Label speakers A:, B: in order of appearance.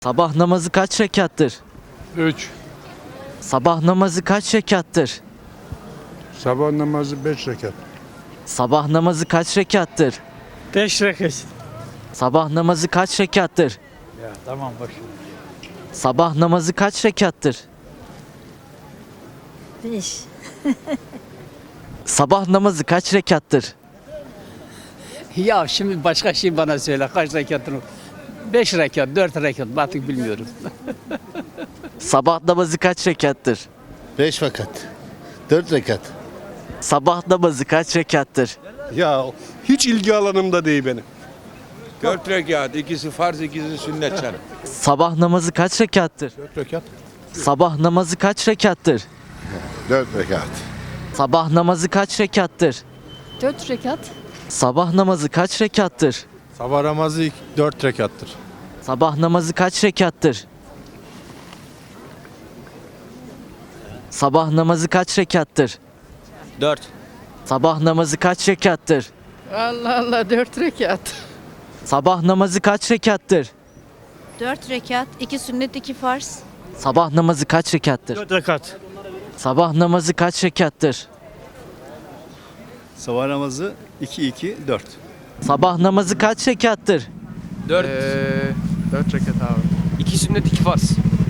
A: Sabah namazı kaç rekattır?
B: 3.
A: Sabah namazı kaç rekattır?
B: Sabah namazı 5 rekat.
A: Sabah namazı kaç rekattır?
C: 5 rekat.
A: Sabah namazı kaç rekattır?
C: Ya tamam boş.
A: Sabah namazı kaç rekattır?
D: 5.
A: Sabah namazı kaç rekattır?
C: Ya şimdi başka şey bana söyle kaç rekatını? 5 rekat, 4 rekat artık bilmiyorum.
A: Sabah namazı kaç rekattır?
E: 5 vakat. 4 rekat.
A: Sabah namazı kaç rekattır?
F: Ya hiç ilgi alanımda değil benim.
G: 4 rekat, ikisi farz, ikisi sünnet canım.
A: Sabah namazı kaç rekattır?
F: 4 rekat.
A: Sabah namazı kaç rekattır?
E: 4 rekat.
A: Sabah namazı kaç rekattır?
D: 4 rekat.
A: Sabah namazı kaç rekattır?
F: Sabah namazı 4 rekattır.
A: Sabah namazı kaç rekattır? Sabah namazı kaç rekattır?
G: 4.
A: Sabah namazı kaç rekattır?
H: Allah Allah 4 rekat.
A: Sabah namazı kaç rekattır?
D: 4 rekat. 2 sünnet 2 farz.
A: Sabah namazı kaç rekattır?
C: 4 rekat.
A: Sabah namazı kaç rekattır?
I: Sabah namazı 2-2-4.
A: Sabah namazı kaç rekattır?
G: 4.
B: 4 rekat abi.
G: 2 sünnet, 2 farz.